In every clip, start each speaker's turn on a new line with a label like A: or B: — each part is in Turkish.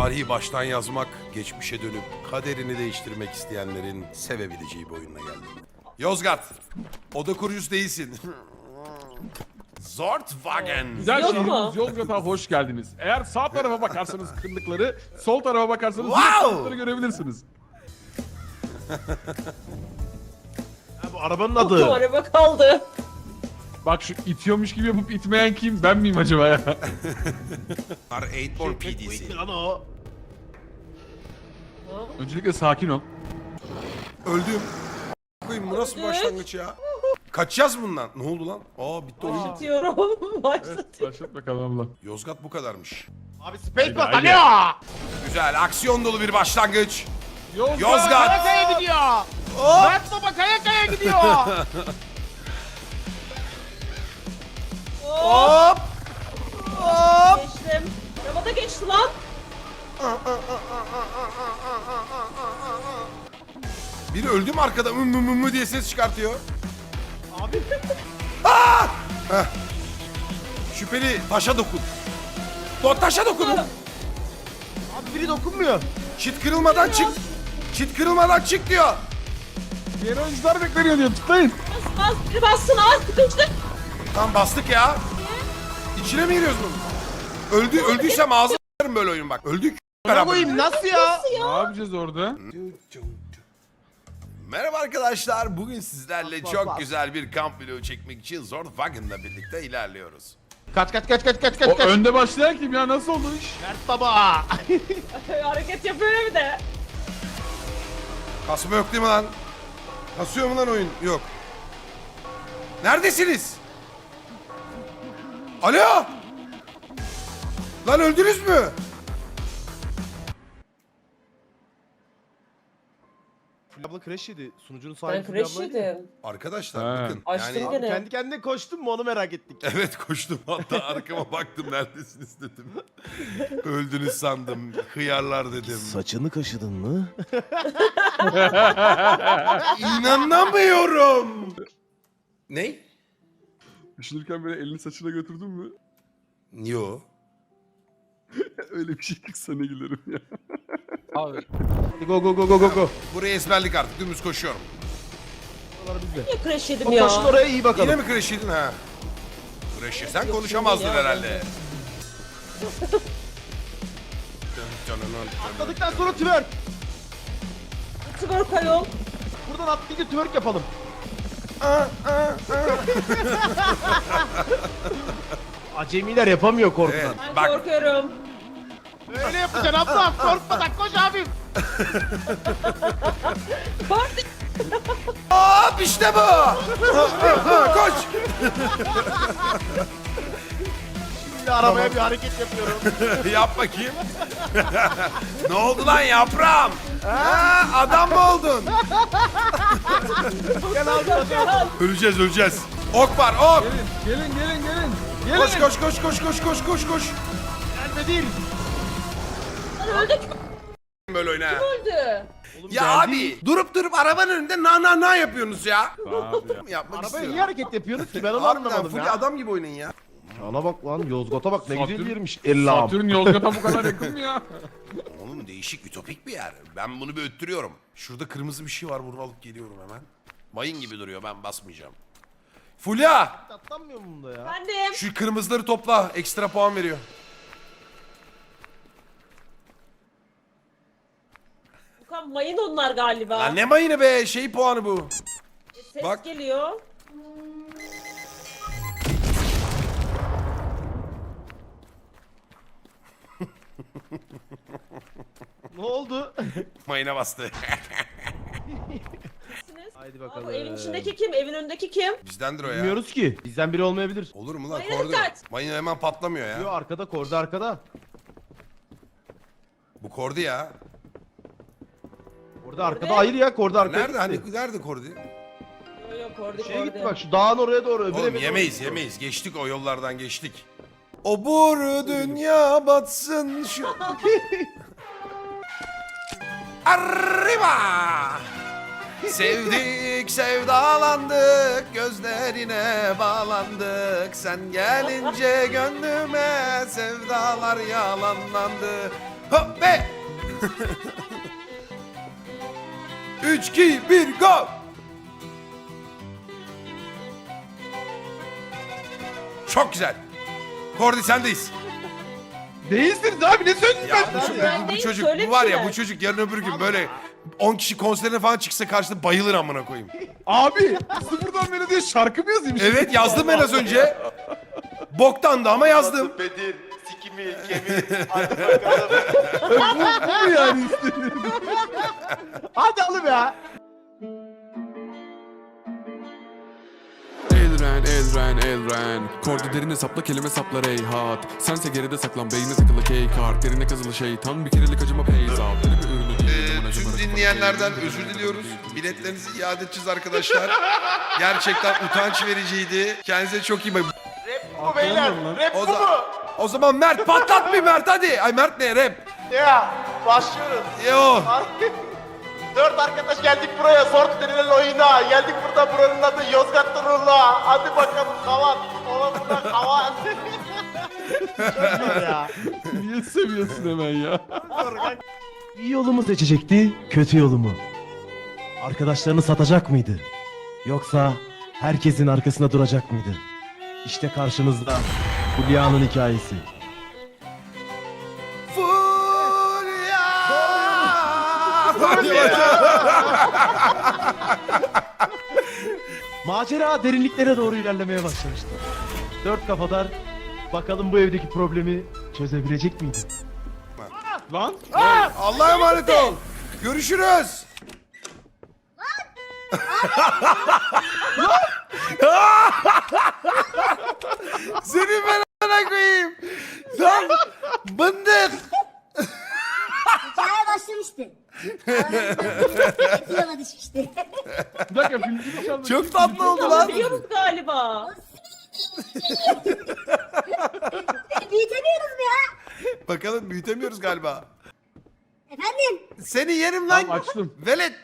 A: Tarihi baştan yazmak, geçmişe dönüp kaderini değiştirmek isteyenlerin sevebileceği bir oyununa geldim. Yozgat, oda kurucusu değilsin. Zortwagen.
B: Güzel
C: Yok
B: şehrimiz
C: mu?
B: Yozgat'a hoş geldiniz. Eğer sağ tarafa bakarsanız kırlıkları, sol tarafa bakarsanız
A: Wow!
B: kırlıkları görebilirsiniz.
D: Bu arabanın
C: Çok
D: adı.
C: araba kaldı.
B: Bak şu itiyormuş gibi yapıp itmeyen kim? Ben miyim acaba ya?
A: R8 PDC.
D: Lan o.
B: Öncelikle sakin ol.
A: Öldüm. Koyayım bu nasıl bir başlangıç ya? Kaçacağız bundan. Ne oldu lan? Aa bitti oyun.
C: Başlatıyorum.
B: Evet,
C: Başlatıyorum.
B: başlat bakalım abla.
A: Yozgat bu kadarmış.
D: Abi space bas
B: Haydi,
D: alo.
A: Güzel, aksiyon dolu bir başlangıç.
B: Yozgat!
A: Yozgat!
D: Kaya kaya gidiyor. Murat baba kaya kaya gidiyor.
A: Hop! Hop!
C: Geçtim. Araba da geçti lan.
A: Biri öldü mü arkada mı diye ses çıkartıyor.
D: Abi
A: Şüpheli taşa dokun. Taşa dokunun.
D: abi biri dokunmuyor.
A: Çit kırılmadan çık. Çit kırılmadan çık diyor.
B: Diğer oyuncular bekleniyor diyor. Tutlayın.
C: Bas biri bassın az sıkıştık.
A: Tam bastık ya. İçine mi giriyoruz bunu? Öldüysem ağzına s**erim böyle oyun bak. Öldük.
D: Ne koyayım nasıl ya?
B: Ne yapacağız orada?
A: Merhaba arkadaşlar. Bugün sizlerle
D: Bas,
A: çok
D: bas.
A: güzel bir kamp videosu çekmek için Zortwagen'la birlikte ilerliyoruz.
D: Kaç.
B: O önde başlayan kim ya? Nasıl oldu iş?
D: Mert baba.
C: Hareket yapıyor bir de.
A: Kasma yok değil mi lan? Kasıyor mu lan oyun? Yok. Neredesiniz? Alo! Lan öldünüz mü?
D: Fulya abla crash yedi. Sunucunun
C: Ben
D: sahibi Fulya
C: crash
D: ablaydı.
C: yedim.
A: Arkadaşlar
B: Ha.
A: bakın.
C: Açtım
A: Yani...
C: gene.
D: Kendi kendine koştun mu onu merak ettik.
A: Evet koştum hatta arkama baktım neredesiniz dedim. Öldünüz sandım. Hıyarlar dedim.
D: Saçını kaşıdın mı?
A: İnanamıyorum. Ne?
B: Düşünürken böyle elini saçına götürdün mü?
A: Yo.
B: Öyle bir şey çıksa ne gülerim ya.
D: Abi. Hadi go.
A: Burayı ezberlik artık dümdüz koşuyorum.
D: Buralar bizde.
C: Niye crash yedim
D: O
C: ya?
D: koşun oraya iyi
A: Yine
D: bakalım.
A: mi crash yedin ha? Crash sen
C: Yok,
A: konuşamazdın
C: şimdi ya,
A: herhalde.
D: Atladıktan sonra twerk.
C: Twerk ayol.
D: Buradan atlayınca twerk yapalım. Acemiler yapamıyor korkudan.
A: Evet,
C: Ben
A: bak
C: korkuyorum.
D: Öyle yapacaksın abla. Korkmadan koş abim.
C: Korktum.
A: hop işte bu. Koş.
D: Şimdi arabaya bir hareket yapıyorum.
A: Yap bakayım. Ne oldu lan yaprağım? Ha, adam mı oldun?
D: Gel abi hadi.
A: Öleceğiz. Ok var ok.
B: Gelin.
A: Koş.
D: Gelme değil.
C: Lan öldük
A: Böyle oyna. ha.
C: öldü.
A: Ya abi durup arabanın önünde na yapıyorsunuz ya.
B: Abi ya.
A: Yapmak
D: Arabaya
A: istiyorum.
D: niye hareket yapıyorsunuz ki ben onu
A: Harbiden
D: anlamadım
A: full
D: ya.
A: adam gibi oynayın ya.
D: Ana bak lan Yozgat'a bak ne güzel
B: Satürn-
D: yermiş. Ellam.
B: Satürn Yozgat'a bu kadar yakın mı ya?
A: Oğlum değişik ütopik bir yer. Ben bunu bir öttürüyorum. Şurada kırmızı bir şey var bunu alıp geliyorum hemen. Mayın gibi duruyor ben basmayacağım. Fulya
D: Atlanmıyor mu bunda ya?
C: Efendim.
A: şu kırmızıları topla ekstra puan veriyor.
C: Bukan mayın onlar galiba.
A: Lan ne mayını be şey puanı bu.
C: Ses
A: bak.
C: geliyor.
D: Ne oldu?
A: Mayına bastı.
C: Siz?
D: Haydi
C: Aa,
D: bakalım.
C: bu evin içindeki kim? Evin önündeki kim?
A: Bizdendir o ya.
D: Bilmiyoruz ki. Bizden biri olmayabilir.
A: Olur mu lan
C: Mayına
A: kordu?
C: dikkat.
A: Mayın hemen patlamıyor ya.
D: Yo arkada korda arkada.
A: Bu kordu ya.
D: Orada arkada hayır ya korda arkada.
A: Nerede hani nerede kordu?
C: Yok orada
D: Şeye gitti bak şu dağın oraya doğru. öbür eve
A: Oğlum
D: doğru
A: yemeyiz
D: gidiyor.
A: yemeyiz. Geçtik o yollardan geçtik. O boru dünya batsın şu. Arriba! Sevdik, sevdalandık, gözlerine bağlandık. Sen gelince gönlüme sevdalar yalanlandı. Hop be. 3, 2, 1, go. Çok güzel. Kordi sendeyiz.
B: Değilsiniz abi ne söyledin
A: Ya
B: ben?
A: bu
C: değil,
A: çocuk
C: söyle
A: bu var
C: bir
A: ya
C: şeyler.
A: bu çocuk yarın öbür gün böyle 10 kişi konserine falan çıksa karşısında bayılır amına koyayım.
B: Abi sıfırdan melodiye şarkı mı yazayım?
A: Evet yazdım ben az önce. Boktan da ama yazdım.
E: Bedir, sikimi, kemir, hadi bakalım.
B: Bu mu yani istediğin?
D: Hadi oğlum ya.
F: Elren Kordu derine sapla kelime saplar eyhat Sense geride saklan beyne takılı kart Derine kazılı şeytan bir kerelik acıma peyzat Böyle bir ürünü değil
A: Tüm dinleyenlerden özür diliyoruz. Biletlerinizi iade edeceğiz arkadaşlar. Gerçekten utanç vericiydi. Kendinize çok iyi bakın.
E: Bu beyler, rap
A: O,
E: bu mu?
A: o zaman Mert patlat bir Mert hadi. Ay Mert ne rap?
E: Ya, başlıyoruz.
A: Yo.
E: 4 arkadaş geldik buraya, sort denilen oyuna. Geldik burada, buranın adı Yozgat Turul'a. Hadi bakalım kavat. Ola burada kavat.
D: Ya.
B: Niye seviyorsun hemen ya?
G: İyi yolu mu seçecekti, kötü yolu mu? Arkadaşlarını satacak mıydı? Yoksa herkesin arkasında duracak mıydı? İşte karşınızda Hülya'nın hikayesi. Macera derinliklere doğru ilerlemeye başlamıştı. Dört kafadar bakalım bu evdeki problemi çözebilecek miydi?
B: Lan
A: Allah'a emanet ol. Görüşürüz. Senin ben koyayım. Lan bındık.
H: Hikaye başlamıştı. Yola düşmüştü.
B: bir dakika filmcini çaldı.
A: Çok tatlı oldu lan.
C: Biliyoruz galiba.
H: Büyütemiyoruz mu ya?
A: Bakalım büyütemiyoruz galiba.
H: Efendim?
A: Seni yerim lan.
B: Tamam, açtım.
A: Velet.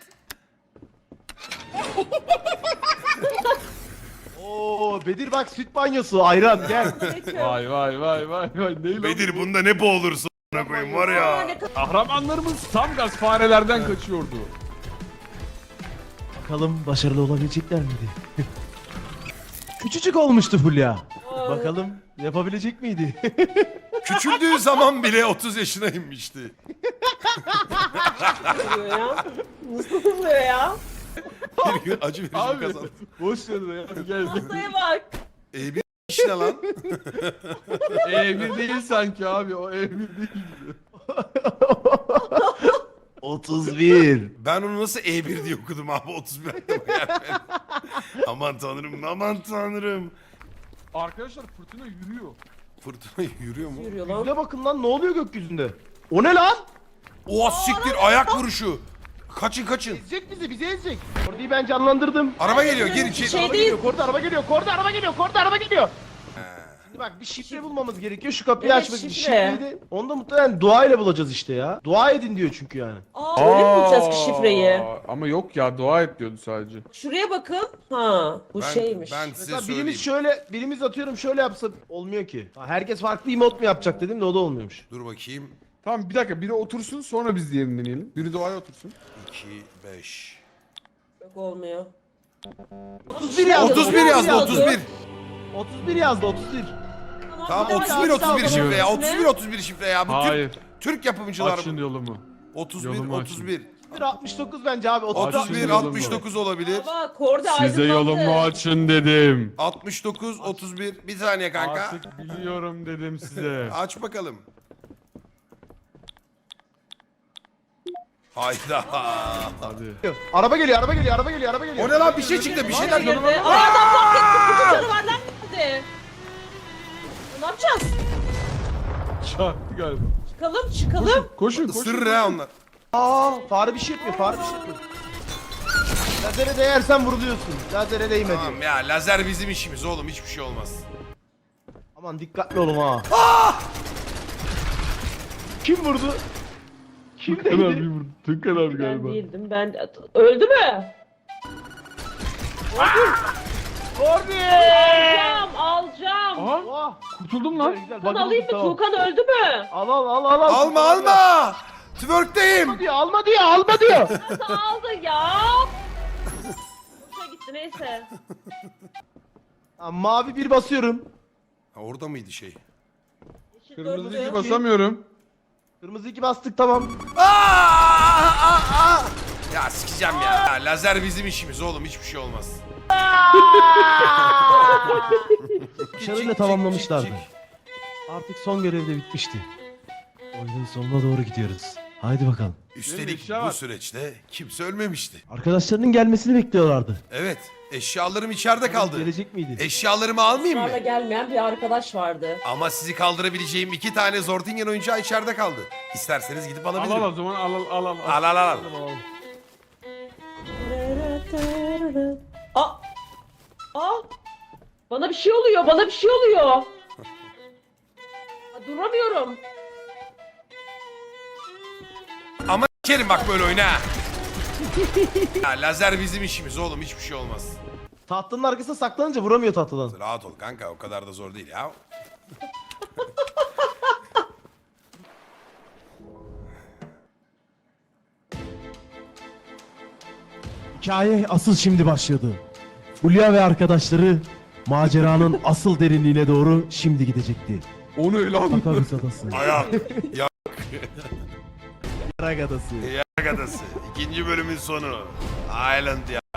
G: Oo Bedir bak süt banyosu ayran gel.
B: Vay vay vay vay vay. Neyle
A: Bedir bunda ne boğulursun a**ına koyayım var ya.
B: Kahramanlarımız tam gaz farelerden kaçıyordu.
G: Bakalım başarılı olabilecekler miydi? Küçücük olmuştu Hülya. Bakalım yapabilecek miydi?
A: Küçüldüğü zaman bile 30 yaşına inmişti.
C: Oluyor ya. Nasıl oluyor ya?
A: Bir gün acı verici
B: Abi
A: kazandı.
B: boş ver ya gel.
C: Masaya bak.
A: Bir işine lan.
B: E1 değil sanki abi o E1 değil.
G: 31.
A: Ben onu nasıl E1 diye okudum abi 31 aklıma gelmedi. Aman tanrım aman tanrım.
B: Arkadaşlar fırtına yürüyor.
A: Fırtına yürüyor mu?
C: Yürüyor lan.
G: Yüzüne bakın lan ne oluyor gökyüzünde? O ne lan?
A: Oha siktir ayak vuruşu. Kaçın kaçın.
G: Ezecek bizi ezecek. Orayı ben canlandırdım.
A: Araba geliyor gir içeri.
C: Şey
G: Araba
C: değil.
G: geliyor, Korda araba geliyor, Korda araba geliyor, Korda araba geliyor. Şimdi bak bir şifre bulmamız gerekiyor şu kapıyı
C: Evet,
G: açmak için.
C: şifre.
G: Şifreyi de onu da muhtemelen dua ile bulacağız işte ya. Dua edin diyor çünkü yani.
C: Aa, öyle mi bulacağız ki şifreyi?
B: Ama yok ya dua et diyordu sadece.
C: Şuraya bakın. Ha, bu şeymiş.
A: Ben size
G: Mesela
A: söyleyeyim.
G: birimiz şöyle, birimiz atıyorum şöyle yapsa olmuyor ki. Ha, herkes farklı emote mu yapacak dedim de o da olmuyormuş.
A: Dur bakayım.
B: Tamam bir dakika biri otursun sonra biz diğerini deneyelim. Biri doğaya otursun.
A: 2, 5.
C: Yok olmuyor.
G: 31 yazdı.
A: 31 yazdı 31.
G: 31 yazdı 31.
A: Tamam
C: bir daha
A: 31
C: yazdı
A: 31 şifre ya.
C: üstüne.
A: 31 31 şifre ya. Bu
B: Hayır.
A: Türk yapımcılar
B: Açın
A: bu.
B: yolumu.
A: 31
B: yolumu açın.
A: 31.
G: 69 bence abi.
A: 31
B: yolumu.
A: 69 olabilir.
C: Baba Korda
B: Size
C: aydınlandı.
B: yolumu açın dedim.
A: 69 31. Bir saniye kanka.
B: Artık biliyorum dedim size.
A: Aç bakalım. Hayda.
B: Hadi.
G: Araba geliyor, araba geliyor, araba geliyor, araba geliyor.
A: O ne lan bir şey çıktı bir şeyler.
C: Girdi. Aa adam fark etti. Bütün canavarlar nerede? Ne yapacağız?
B: Çarptı galiba.
C: Çıkalım çıkalım.
B: Koşun koşun.
A: Isırır ha onlar.
G: Aa, fare bir şey yapıyor, fare bir şey yapıyor. Lazere değersen vuruluyorsun. Lazere değme diyor.
A: Tamam ya lazer bizim işimiz oğlum hiçbir şey olmaz.
G: Aman dikkatli olun ha. Kim vurdu? Kim
B: Tükan abi
G: değdi?
B: vurdu. Tükan abi
C: Ben
B: galiba.
C: değildim. Ben öldü mü?
D: Kordi!
C: Alacağım.
B: Aha
D: Oh,
B: kurtuldum lan.
D: güzel.
C: Tuğkan
D: Bakın,
C: alayım mı?
D: tamam.
C: Tuğkan öldü mü?
D: Al.
A: Alma alma. Twerk'teyim.
D: Alma diyor.
C: Nasıl aldı ya? Boşa gitti neyse.
G: Tamam, mavi bir basıyorum.
A: Ha, orada mıydı şey?
C: Yeşil
B: Kırmızı
C: dördü.
B: iki basamıyorum.
G: Kırmızı 2 bastık tamam.
A: Ya sikeceğim ya. Lazer bizim işimiz oğlum, hiçbir şey olmaz.
G: Başarıyla tamamlamışlardı. Artık son görev de bitmişti. Oyunun sonuna doğru gidiyoruz. Haydi bakalım.
A: Üstelik
B: eşya
A: bu
B: var.
A: süreçte kimse ölmemişti.
G: Arkadaşlarının gelmesini bekliyorlardı.
A: Evet, eşyalarım içeride kaldı.
G: Gelecek miydi?
A: Eşyalarımı almayayım
C: Israrla
A: mı?
C: gelmeyen bir arkadaş vardı.
A: Ama sizi kaldırabileceğim 2 tane Zortingen oyuncağı içeride kaldı. İsterseniz gidip
B: Al
A: alabilirim.
B: al o zaman al.
A: Al.
C: Aa! Aa! Bana bir şey oluyor. Ha, duramıyorum.
A: Ama s**erim bak böyle oyna. ha. Ya, lazer bizim işimiz oğlum, hiçbir şey olmaz.
G: Tahtının arkasına saklanınca vuramıyor tahtadan.
A: Rahat ol kanka, o kadar da zor değil ya.
G: Hikaye asıl şimdi başladı. Hulya ve arkadaşları maceranın asıl derinliğine doğru şimdi gidecekti.
B: Onu ele aldım.
G: Takarus Adası.
A: Ayak.
G: Yarak Adası.
A: Yarak Adası. 2. bölümün sonu. Island ya.